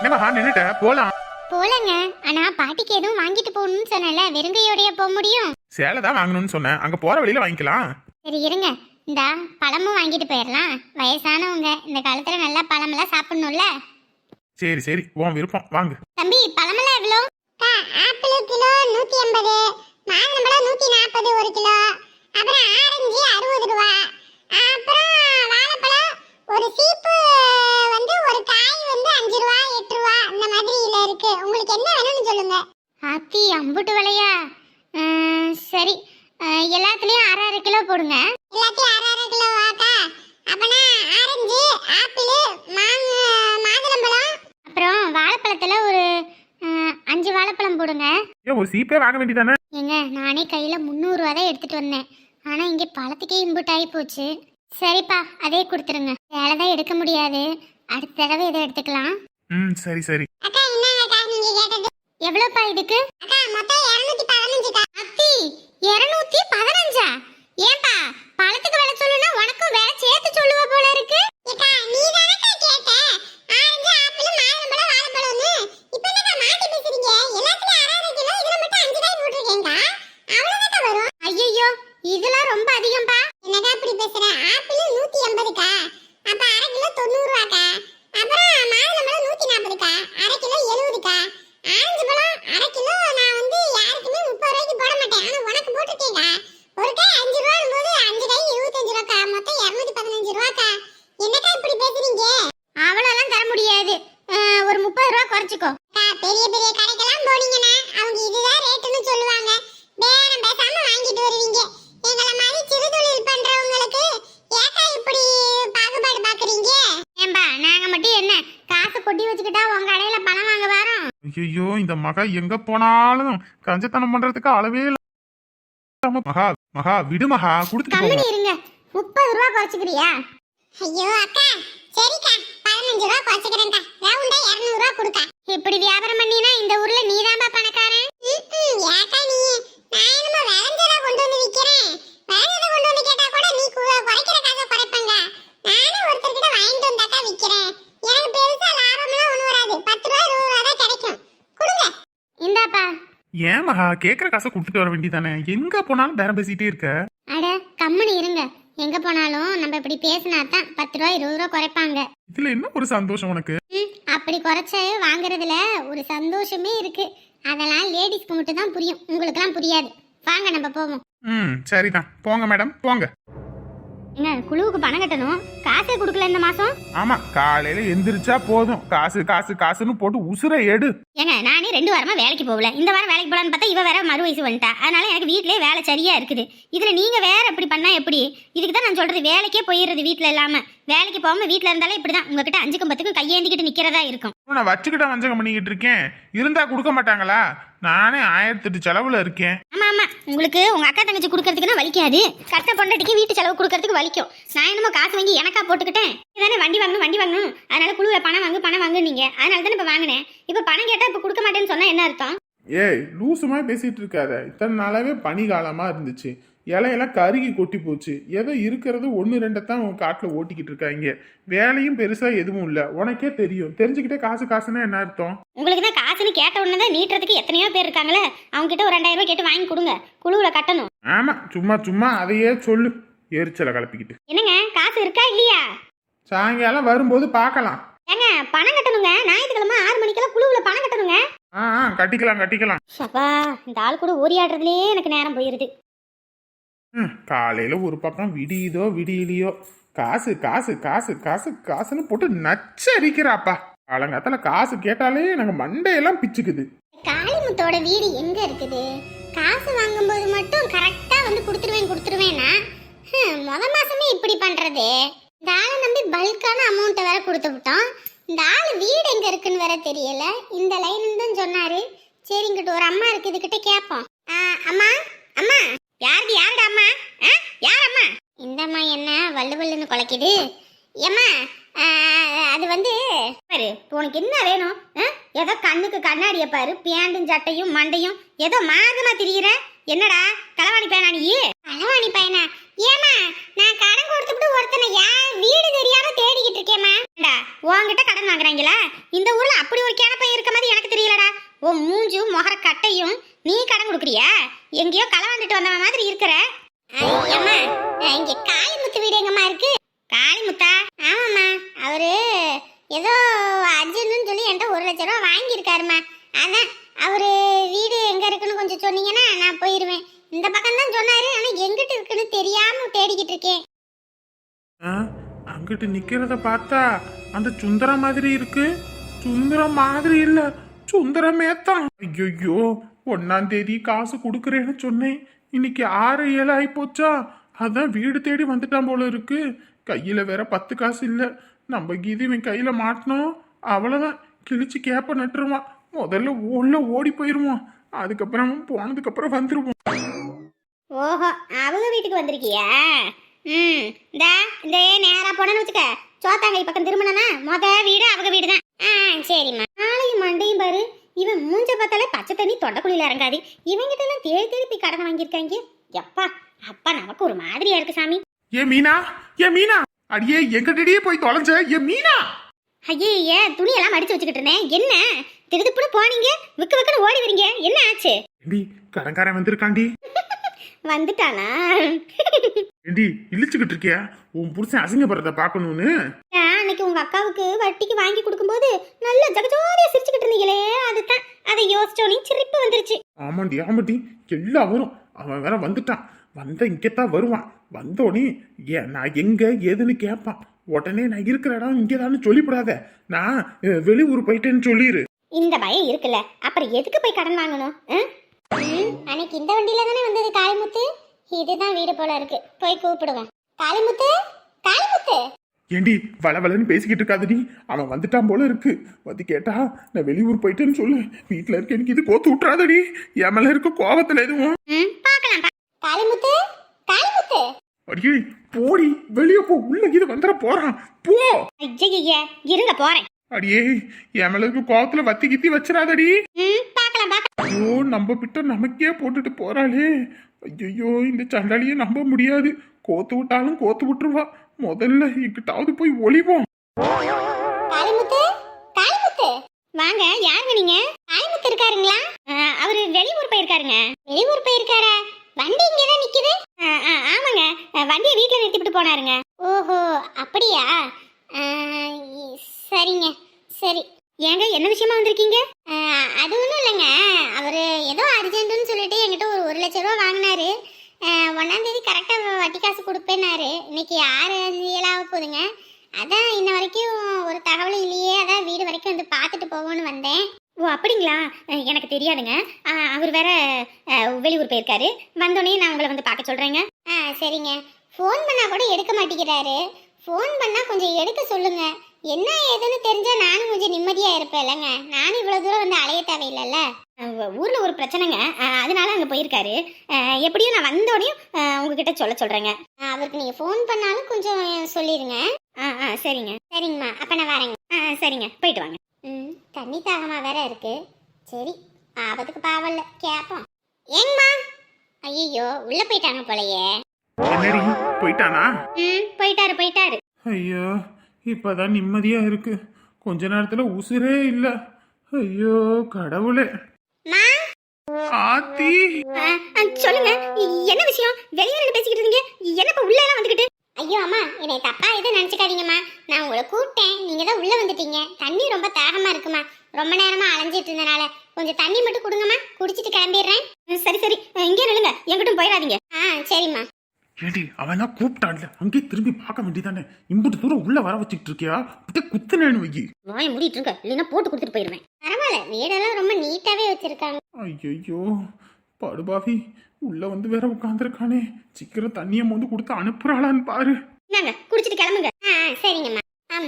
என்னம்மா நின்னுட்ட போலாம். போலங்க. ஆனா பாட்டிக்கு எதுவும் வாங்கிட்டு போகணும்னு சொன்னல, வெறுங்கையோடய போக முடியும்? சேலை தான் வாங்கணும்னு சொன்னேன், அங்க போற வழியில வாங்கிக்கலாம். சரி இருங்க, இந்த பழமும் வாங்கிட்டு போயிடலாம். வயசானவங்க இந்த காலத்துல நல்லா பழமெல்லாம் சாப்பிடணும்ல. சரி சரி, உன் விருப்பம், வாங்கு. தம்பி பழமெல்லாம் எவ்வளோ? ஆப்பிள் கிலோ 180, மாதுளம்பழம் 140 ஒரு கிலோ, அப்புறம் ஆரஞ்சு 60 ரூபா, அப்புறம் வாழைப்பழம் ஒரு சீப்பு வந்து ஒரு காய் வந்து 5 ரூபா 8 ரூபா இந்த மாதிரில இருக்கு. உங்களுக்கு என்ன வேணும்னு சொல்லுங்க. ஆத்தி அம்புட்டு விலையா? சரி, எல்லாத்துலயும் அரை அரை கிலோ போடுங்க. எல்லாத்தையும் அரை அரை கிலோ வாக்கா. அப்பனா ஆரஞ்சு, ஆப்பிள், மாதுளம்பழம், அப்புறம் வாழைப்பழத்துல ஒரு 5 வாழைப்பழம் போடுங்க. ஏன் ஒரு சீப்பே வாங்க வேண்டியதானே? ஏங்க நானே கையில 300 ரூபா தான் எடுத்துட்டு வந்தேன். ஆனா இங்க பழத்துக்கே இம்புட் ஆகி போச்சு. சரிப்பா, அதே கொடுத்துருங்க. வேலை தான் எடுக்க முடியாது, அடுத்த தடவை இதை எடுத்துக்கலாம். சரி சரி. அக்கா என்னங்கக்கா நீங்க கேட்டது? எவ்வளவுப்பா இதுக்கு? அக்கா மொத்தம் 215. அத்தி 215? ஏன்பா பழத்துக்கு விலை சொல்லுனா உனக்கும் விலை சேர்த்து சொல்லுவ போல இருக்கு. அக்கா நீ தானக்கா கேட்ட ஆரஞ்சு, ஆப்பிள், மாதுளம்பழம், வாழைப்பழம்னு. இப்போ என்னக்கா மாத்தி பேசுறீங்க? எல்லாத்துலயும் அரை அரை கிலோ, இதுல மட்டும் 5 காய் போட்டுருக்கேன்க்கா. அவ்வளவுதான் வரும். ஐயோ இதெல்லாம் ரொம்ப அதிகம்பா. என்னக்கா இப்படி பேசுற? ஆப்பிள் 180க்கா, அப்ப அரை கிலோ 90 ரூபாக்கா. அப்புறம் மாதுளம்பழம் 140க்கா, அரை கிலோ 70க்கா. ஆரஞ்சு பழம் அரை கிலோ நான் வந்து யாருக்குமே 30 ரூபாய்க்கு போட மாட்டேன், ஆனா உனக்கு போட்டுட்டேன்க்கா. ஒரு காய் 5 ரூபாய் போது 5 காய் 25 ரூபாக்கா, மொத்தம் 215 ரூபாக்கா. என்னக்கா இப்படி பேசுறீங்க? அவ்வளோலாம் தர முடியாது, ஒரு 30 ரூபா குறைச்சிக்கோ. பெரிய பெரிய கடைக்கெல்லாம் போனீங்கன்னா அவங்க இதுதான் ரேட்டுன்னு சொல்லுவாங்க, பேரம் பேசாம வாங்கிட்டு வருவீங்க. எங்களை மாதிரி சிறு தொழில் பண்றவங்களுக்கு ஏக்கா இப்படி பாகுபாடு பாக்குறீங்க? ஏம்பா நாங்க மட்டும் என்ன காசு கொட்டி வச்சுக்கிட்டா உங்க கடையில பணம் வாங்க வரோம்? ஐயோ இந்த மகா எங்க போனாலும் கஞ்சத்தனம் பண்றதுக்கு அளவே இல்ல. மகா மகா விடு மகா, கொடுத்துட்டு கம்மி இருங்க. 30 ரூபா குறைச்சிக்கிறியா? ஐயோ அக்கா சரிக்கா, 15 ரூபா குறைச்சிக்கிறேன்க்கா. ரவுண்டா 200 ரூபா கொடுக்கா. இப்படி வியாபாரம் பண்ணினா இந்த ஊர்ல நீதான்பா பணக்காரன். ஏக்கா நீ நான் என்னமோ விளைஞ்சதா கொண்டு வந்து விக்கிறேன், விளைஞ்சதை கொண்டு வந்து கேட்டா கூட நீ குறைக்கிற காசை குறைப்பங்க. நானே ஒருத்தர்கிட்ட வாங்கிட்டு வந்தாக்கா விக்கிறேன். எனக்கு பெருசா லாபம்லாம் ஒண்ணு வராது, 10 ரூபா 20 ரூபா தான் கிடைக்கும். கொடுங்க. இந்தாப்பா. ஏன் மகா கேக்குற காசை கொடுத்துட்டு வர வேண்டியதானே? எங்க போனாலும் பேரம் பேசிட்டே இருக்க. அட கம்முனு இருங்க. எங்க போனாலும் நம்ம இப்படி பேசினா தான் 10 ரூபா 20 ரூபா குறைப்பாங்க. இதுல என்ன ஒரு சந்தோஷம் உனக்கு? அப்படி குறைச்சு வாங்குறதுல ஒரு சந்தோஷமே இருக்கு. அதெல்லாம் லேடிஸ்க்கு மட்டும் தான் புரியும், உங்களுக்குலாம் புரியாது. வாங்க நம்ம போவோம். சரிதான், போங்க மேடம் போங்க. என்ன குழுவுக்கு பணம் கட்டணும், காசே கொடுக்கல இந்த மாசம். ஆமா, காலையில எந்திரிச்சா போதும் காசு காசு காசுன்னு போட்டு உசுரை எடு. ஏங்க நானே 2 வாரமா வேலைக்கு போகல, இந்த வாரம் வேலைக்கு போலான்னு பார்த்தா இவ வேற மறு வயசு வந்துட்டா. அதனால எனக்கு வீட்லயே வேலை சரியா இருக்குது. இதுல நீங்க வேற இப்படி பண்ணா எப்படி? இதுக்கு தான் நான் சொல்றது, வேலைக்கே போயிடுறது வீட்டுல இல்லாம. வேலைக்கு போகாம வீட்டுல இருந்தாலே இப்படிதான், உங்ககிட்ட 5க்கும் 10க்கும் கையேந்திக்கிட்டு நிக்கிறதா இருக்கும். நான் வச்சுக்கிட்ட வஞ்சகம் பண்ணிக்கிட்டு இருக்கேன், இருந்தா கொடுக்க மாட்டாங்களா? நானே 1008 செலவுல இருக்கேன். ஆமா ஆமா, உங்களுக்கு உங்க அக்கா தங்கச்சி கொடுக்கறதுக்குன்னா வலிக்காது, கட்ட பொண்டாட்டிக்கு வீட்டு செலவு கொடுக்கறதுக்கு வலிக்கும். நான் என்னமோ காசு வாங்கி எனக்கா போட்டுக்கிட்டேன். இதானே வண்டி வாங்கணும், அதனால குழுவை பணம் வாங்கு நீங்க, அதனால தான் இப்ப வாங்கினேன். இப்ப பணம் கேட்டா இப்ப கொடுக்க மாட்டேன்னு சொன்னா என்ன அர்த்தம்? ஏய் லூசுமா பேசிட்டு இருக்காத. இத்தனை நாளாவே பனி காலமா இருந்துச்சு, இலையெல்லாம் கருகி கொட்டி போச்சு. ஏதோ இருக்கிறது 1-2 தான் காட்டுல ஓட்டிக்கிட்டு இருக்காங்க. வேலையும் பெருசா எதுவும் இல்ல, உனக்கே தெரியும். தெரிஞ்சுக்கிட்டே காசு காசுன்னா என்ன அர்த்தம்? உங்களுக்கு தான் காசுன்னு கேட்ட உடனே தான் நீட்டுறதுக்கு எத்தனையோ பேர் இருக்காங்களே, அவங்க கிட்ட ஒரு 2000 ரூபாய் கேட்டு வாங்கி கொடுங்க, குழுவுல கட்டணும். ஆமா, சும்மா சும்மா அதையே சொல்லு, எரிச்சலை கலப்பிக்கிட்டு. என்னங்க காசு இருக்கா இல்லையா? சாயங்காலம் வரும்போது பார்க்கலாம். ஏங்க பணம் கட்டணுங்க, ஞாயிற்றுக்கிழமை 6 மணிக்கெல்லாம் குழுவுல பணம் கட்டணுங்க. கட்டிக்கலாம். சப்பா இந்த ஆள் கூட ஓரியாடுறதுலயே எனக்கு நேரம் போயிருது. காலையில ஒரு பக்கம் விடியுதோ விடியலையோ காசு காசு காசு காசு காசுன்னு போட்டு நச்சரிக்கிறாப்பா. காலங்காத்தால காசு கேட்டாலே எனக்கு மண்டையெல்லாம் பிச்சுக்குது. காளிமுத்தோட வீடு எங்க இருக்குது? காசு வாங்கும்போது மட்டும் கரெக்டா வந்து கொடுத்துருவேன்னா முத மாசமே இப்படி பண்றது. இந்த ஆளை நம்பி பல்கான அமௌண்ட்டை வேற கொடுத்து விட்டோம். இந்த ஆள் வீடு எங்க இருக்குன்னு வேற தெரியல. இந்த லைன் தான் சொன்னாரு. சரி இங்கிட்ட ஒரு அம்மா இருக்கு, இதுகிட்ட கேட்போம். அம்மா அம்மா யாருடா அம்மா? யார் அம்மா? இந்த அம்மா என்ன வள்ளுவல்லுன்னு குலைக்குது. ஏம்மா அது வந்து பாரு, உனக்கு என்ன வேணும்? ஏதோ கண்ணுக்கு கண்ணாடிய பாரு, பேண்டும் சட்டையும் மண்டையும் ஏதோ மாதமா திரியிற. என்னடா களவாணி பையனா நீ? களவாணி பையனா? ஏமா நான் கடன் கொடுத்துட்டு ஒருத்தனை வீடு தெரியாம தேடிக்கிட்டு இருக்கேம்மா. உன்கிட்ட கடன் வாங்குறாங்களா? இந்த ஊர்ல அப்படி ஒரு கேனப்பையன் இருக்க மாதிரி எனக்கு தெரியலடா. உன் மூஞ்சும் முகர கட்டையும் நீ கடன் கொடுக்குறியா? எங்கேயோ களை வந்துட்டு வந்த மாதிரி இருக்கிற. ஐயம்மா இங்க காளிமுத்து வீடு எங்கம்மா இருக்கு? காளிமுத்தா? ஆமாம்மா, அவரு ஏதோ அர்ஜுன்னு சொல்லி என்கிட்ட 1 லட்சம் ரூபா வாங்கியிருக்காருமா. அதான் அவரு வீடு எங்க இருக்குன்னு கொஞ்சம் சொன்னீங்கன்னா நான் போயிருவேன். இந்த பக்கம் தான் சொன்னாரு, ஆனா எங்கிட்ட இருக்குன்னு தெரியாம தேடிக்கிட்டு இருக்கேன். அங்கிட்டு நிக்கிறத பார்த்தா அந்த சுந்தரம் மாதிரி இருக்கு. சுந்தரம் மாதிரி இல்ல, சுந்தரமே தான். ஐயோ, 1ஆம் தேதி காசு கொடுக்குறேன்னு சொன்னேன். இன்னைக்கு 6 7 ஆகி போச்சா? அதான் வீடு தேடி வந்துட்டான் போல இருக்கு. கையில வேற 10 காசு இல்ல. நம்ம கீது இவன் கையில மாட்டினோம், அவ்வளவுதான். கிழிச்சு கேப்ப நட்டுருவான். முதல்ல உள்ள ஓடி போயிருவான். அதுக்கப்புறம் போனதுக்கு அப்புறம் வந்துருவோம். ஓஹோ, அவங்க வீட்டுக்கு வந்திருக்கியா? இந்த நேரா போனேன்னு வச்சுக்க, சோத்தாங்கை பக்கம் திரும்பினா வீடு அவங்க வீடு தான். சரிம்மா. நாளையும் மண்டையும் பாரு, இவன் மூஞ்ச பார்த்தாலே பச்சை தண்ணி தொண்டைக்குழியில இறங்காது. இவங்கிட்ட எல்லாம் தேடி தேடி போய் கடன் வாங்கியிருக்காங்க. எப்பா அப்பா, நமக்கு ஒரு மாதிரியா இருக்கு சாமி. ஏ மீனா, ஏ மீனா, அடியே எங்கிட்டடியே போய் தொலைஞ்ச. ஏ மீனா. ஐயே, துணியெல்லாம் மடிச்சு வச்சுக்கிட்டு இருந்தேன். என்ன திருதுப்புன்னு போனீங்க, விக்கு விக்குன்னு ஓடி வரீங்க, என்ன ஆச்சு? கடன்காரன் வந்திருக்காண்டி. வந்துட்டானா? ஏண்டி இழிச்சுக்கிட்டு இருக்கியா? உன் புருஷன் அசிங்கப்படுறத பாக்கணும்னு அன்னைக்கு உங்க அக்காவுக்கு வட்டிக்கு வாங்கி கொடுக்கும்போது நல்ல ஜகஜோதியா சிரிச்சுக்கிட்டு இருந்தீங்களே, அதுதான் அதை யோசிச்சோனே சிரிப்பு வந்துருச்சு. ஆமாண்டி ஆமாண்டி, எல்லாம் வரும். அவன் வேற வந்துட்டான். வந்த இங்கத்தான் வருவான். வந்தோடனே நான் எங்க ஏதுன்னு கேட்பான். உடனே நான் இருக்கிற இடம் இங்கேதான்னு சொல்லிவிடாத, நான் வெளியூர் போயிட்டேன்னு சொல்லிடு. இந்த பயம் இருக்குல்ல, அப்புறம் எதுக்கு போய் கடன் வாங்கணும்? அன்னைக்கு இந்த வண்டியில தானே வந்தது காளிமுத்து. இதுதான் வீடு போல இருக்கு, போய் கூப்பிடுவோம். காளிமுத்து, காளிமுத்து. ஏண்டி வளவலன்னு பேசிக்கிட்டு இருக்காதடி, அவன் வந்துட்டான் போல இருக்கு. வந்து கேட்டா நான் வெளியூர் போயிட்டேன்னு சொல்லு. வீட்டுல இருக்க எனக்கு இது கோத்து விட்டுறாதடி. என் மேல இருக்க கோவத்துல எதுவும். பாக்கலாம். காளிமுத்து, காளிமுத்து. அடியே போடி, வெளியே போ. உள்ள இது வந்துட போறான், போ. ஐயா இருங்க, போறேன். அடியே என் மேல இருக்க கோவத்துல வத்தி கித்தி வச்சிடாதடி. பாக்கலாம். ஐயோ, நம்ம பிட்ட நமக்கே போட்டுட்டு போறாளே. ஐயோ, இந்த சண்டாளியை நம்ப முடியாது. கோத்து விட்டாலும் கோத்து விட்டுருவா. முதல்ல இங்கிட்டாவது போய் ஒளிவோம். காளிமுத்து, காளிமுத்து. வாங்க, யாருங்க நீங்க? காளிமுத்து இருக்காருங்களா? அவரு வெளியூர் போயிருக்காருங்க. வெளியூர் போயிருக்காரா? வண்டி இங்கதான் நிக்குது. ஆமாங்க, வண்டியை வீட்டுல நிறுத்திட்டு போனாருங்க. ஓஹோ, அப்படியா? சரிங்க, சரி. ஏங்க, என்ன விஷயமா வந்திருக்கீங்க? அது ஒன்றும் இல்லைங்க, அவரு ஏதோ அர்ஜென்ட்னு சொல்லிட்டு என்கிட்ட ஒரு 1 லட்சம் ரூபா வாங்கினாரு. 1ஆம் தேதி கரெக்டாக வட்டி காசு கொடுப்பேன்னாரு. இன்னைக்கு 6 7 போகுதுங்க. அதான் இன்ன வரைக்கும் ஒரு தகவலும் இல்லையே, அதான் வீடு வரைக்கும் வந்து பார்த்துட்டு போவோன்னு வந்தேன். ஓ அப்படிங்களா? எனக்கு தெரியாதுங்க. அவர் வேற வெளியூர் போயிருக்காரு. வந்தோடனே நான் உங்களை வந்து பார்க்க சொல்றேங்க. சரிங்க. ஃபோன் பண்ணா கூட எடுக்க மாட்டேங்கிறாரு. ஃபோன் பண்ணா கொஞ்சம் எடுக்க சொல்லுங்க. என்ன ஏதுன்னு தெரிஞ்சா நானும் கொஞ்சம் நிம்மதியா இருப்பேன் இல்லைங்க. நானும் இவ்வளவு தூரம் வந்து அலைய தேவையில்லைல்ல. ஊர்ல ஒரு பிரச்சனைங்க, அதனால அங்க போயிருக்காரு. எப்படியும் நான் வந்தோடனே உங்ககிட்ட சொல்றேங்க. அவருக்கு நீங்க ஃபோன் பண்ணாலும் கொஞ்சம் சொல்லிடுங்க. சரிங்க. சரிங்கம்மா, அப்ப நான் வரேங்க. சரிங்க, போயிட்டு வாங்க. தண்ணி தாகமா வேற இருக்கு. சரி, ஆபத்துக்கு பாவல்ல, கேப்போம். ஏங்கம்மா. ஐயோ, உள்ள போயிட்டாங்க போலயே. என்னடி போயிட்டானா? போயிட்டாரு. ஐயோ, இப்பதான் நிம்மதியா இருக்கு. கொஞ்ச நேரத்துல உசுரே இல்ல. ஐயோ கடவுளே. ஆத்தி, சொல்லுங்க, என்ன விஷயம்? வெளியே பேசிக்கிட்டு இருந்தீங்க, என்ன இப்ப உள்ள எல்லாம் வந்துகிட்டு? ஐயோ அம்மா, என்னை தப்பா எதுவும் நினைச்சுக்காதீங்கம்மா. நான் உங்களை கூப்பிட்டேன், நீங்க தான் உள்ள வந்துட்டீங்க. தண்ணி ரொம்ப தாகமா இருக்குமா, ரொம்ப நேரமா அலைஞ்சிட்டு இருந்தனால கொஞ்சம் தண்ணி மட்டும் கொடுங்கம்மா, குடிச்சிட்டு கிளம்பிடுறேன். சரி, இங்கே நில்லுங்க, எங்கிட்டும் போயிடாதீங்க. சரிம்மா. ஏடி அவன் தான் கூப்பிட்டான்ல, அங்கேயே திரும்பி பார்க்க வேண்டியதானே. இம்புட்டு தூரம் உள்ள வர வச்சுட்டு இருக்கியா? குத்துனேன்னு வைக்கி. வாய மூடிட்டு இருக்க, இல்லைன்னா போட்டு கொடுத்துட்டு போயிருவேன். பரவாயில்ல, வீடெல்லாம் ரொம்ப நீட்டாவே வச்சிருக்காங்க. ஐயோ படுபாவி, உள்ள வந்து வேற உட்காந்துருக்கானே. சீக்கிரம் தண்ணியை வந்து கொடுத்து அனுப்புறாளான்னு பாரு. நாங்க குடிச்சிட்டு கிளம்புங்க. சரிங்கம்மா.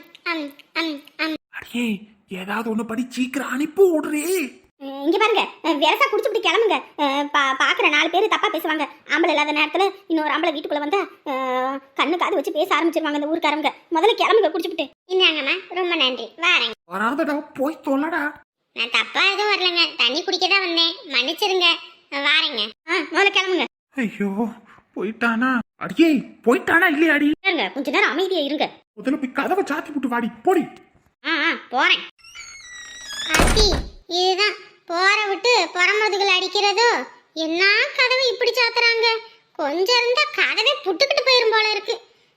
அடியே ஏதாவது ஒண்ணு படி, சீக்கிரம் அனுப்பி விடுறே. இங்க பாருங்க, விரசா குடிச்சுட்டு கிளம்புங்க. பாக்குற 4 பேர் தப்பா பேசுவாங்க. ஆம்பளை இல்லாத நேரத்துல இன்னொரு ஆம்பளை வீட்டுக்குள்ள வந்தா கண்ணு காது வச்சு பேச ஆரம்பிச்சிருவாங்க இந்த ஊருக்காரங்க. முதல்ல கிளம்புங்க குடிச்சுட்டு. இந்தாங்கம்மா, ரொம்ப நன்றி, வாரேங்க. வராதடா, போய் சொல்லடா. நான் தப்பா எதுவும் வரலங்க, தண்ணி குடிக்க தான் வந்தேன், மன்னிச்சிருங்க, வாரேங்க. முதல்ல கிளம்புங்க. ஐயோ போயிட்டானா? அடியே போயிட்டானா இல்லையாடி? இருங்க, கொஞ்ச நேரம் அமைதியா இருங்க. முதல்ல போய் கதவை சாத்தி போட்டு வாடி போடி. போறேன். ஆத்தி, இதுதான் போற விட்டு புறமுதுகுல அடிக்கிறதோ. என்ன கதவை இப்படி சாத்துறாங்க? கொஞ்சம் இருந்தா கதவை புட்டுக்கிட்டு போயிரும் போல இருக்கு.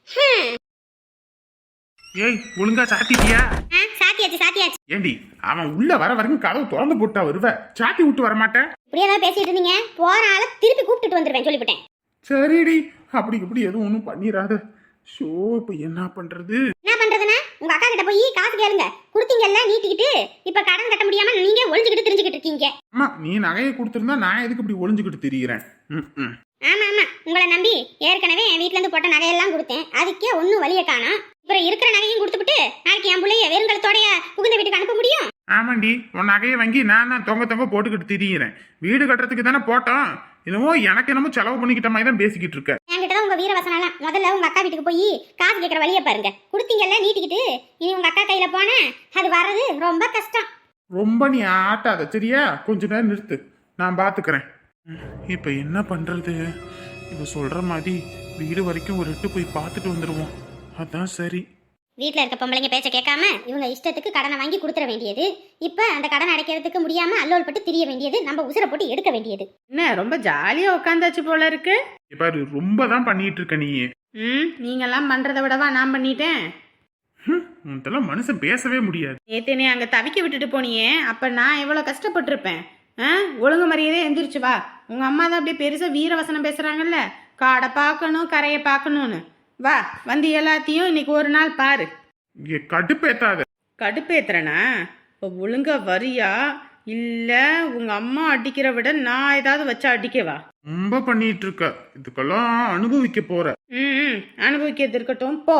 ஏய் ஒழுங்கா சாத்திட்டியா? சாத்தியாச்சு. ஏண்டி அவன் உள்ள வர வரைக்கும் கதவு திறந்து போட்டா வருவ, சாத்தி விட்டு வர மாட்டேன். இப்படியே தான் பேசிட்டு இருந்தீங்க. போற ஆள திருப்பி கூப்பிட்டுட்டு வந்துருவேன் சொல்லிவிட்டேன். சரிடி, அப்படி இப்படி எதுவும் ஒன்றும் பண்ணிடாத. ஷோ இப்ப என்ன பண்றது? என்ன பண்றதுன்னா உங்க அக்கா கிட்ட போய் காசு கேளுங்க. குடுத்தீங்கல்ல நீட்டிக்கிட்டு, இப்ப கடன் கட்ட முடியாம நீங்க ஒளிஞ்சுக்கிட்டு தெரிஞ்சுக்கிட்டு இருக்கீங்க. அம்மா நீ நகையை கொடுத்திருந்தா நான் எதுக்கு இப்படி ஒளிஞ்சுக்கிட்டு திரியிறேன்? ஆமா உங்களை நம்பி ஏற்கனவே என் வீட்ல இருந்து போட்ட நகையெல்லாம் கொடுத்தேன். அதுக்கே ஒன்னும் வழிய காணோம். அப்புறம் இருக்கிற நகையும் கொடுத்துட்டு நாளைக்கு என் பிள்ளைய வெறுங்கலத்தோடைய புகுந்த வீட்டுக்கு அனுப்ப முடியும்? ஆமாண்டி, உன் நகையை வாங்கி நான் தொங்க போட்டுக்கிட்டு திரியிறேன். வீடு கட்டுறதுக்கு தானே போட்டோம். என்னமோ எனக்கு என்னமோ செலவு பண்ணிக்கிட்ட மாதிரி தான் பேசிக்கிட்டு இருக்க. என்கிட்ட தான் உங்க வீரவசனம். முதல்ல உங்க அக்கா வீட்டுக்கு போய் காசு கேட்கற வழியை பாருங்க. கொடுத்தீங்கல்ல நீட்டிக்கிட்டு, இனி உங்க அக்கா கையில போன அது வர்றது ரொம்ப கஷ்டம். ரொம்ப நீ ஆட்டாத சரியா? கொஞ்ச நேரம் நிறுத்து, நான் பாத்துக்கிறேன். இப்ப என்ன பண்றது? இவ சொல்ற மாதிரி வீடு வரைக்கும் ஒரு எட்டு போய் பார்த்துட்டு வந்துடுவோம். அதான் சரி. வீட்டில் இருக்க பொம்பளைங்க பேச்ச கேட்காம இவங்க இஷ்டத்துக்கு கடனை வாங்கி கொடுத்துட வேண்டியது. இப்போ அந்த கடன் அடைக்கிறதுக்கு முடியாம அல்லோல் பட்டு திரிய வேண்டியது, நம்ம உசுரை போட்டு எடுக்க வேண்டியது. என்ன ரொம்ப ஜாலியா உட்காந்தாச்சு போல இருக்கு. பாரு ரொம்ப தான் பண்ணிட்டு இருக்க நீ. நீங்கெல்லாம் பண்றதை விடவா நான் பண்ணிட்டேன். உன்ட்டெல்லாம் மனுஷன் பேசவே முடியாது. நேத்து நீ அங்க தவிக்க விட்டுட்டு போனியே, அப்ப நான் எவ்வளவு கஷ்டப்பட்டிருப்பேன். ஒழுங்கு மரியாதை எந்திரிச்சு வா. உங்க அம்மா தான் அப்படியே பெருசா வீரவசனம் பேசுறாங்கல்ல, காடை பார்க்கணும் கரையை பார்க்கணும்னு. வா வந்து எல்லாத்தையும் இன்னைக்கு ஒரு நாள் பாரு. இங்க கடுப்பேத்தாத. கடுப்பேத்துறனா? இப்போ ஒழுங்கா வரியா இல்ல உங்க அம்மா அடிக்கிற விட நான் ஏதாவது வச்சா அடிக்கவா? ரொம்ப பண்ணிட்டு இருக்க, இதுக்கெல்லாம் அனுபவிக்க போற. அனுபவிக்கிறது இருக்கட்டும் போ.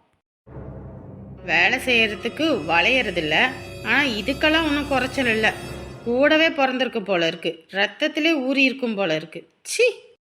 வேலை செய்யறதுக்கு வளையறது இல்ல, ஆனா இதுக்கெல்லாம் ஒன்றும் குறைச்சல் இல்லை. கூடவே பிறந்திருக்கு போல இருக்கு, ரத்தத்திலே ஊறி இருக்கும் போல இருக்கு. சி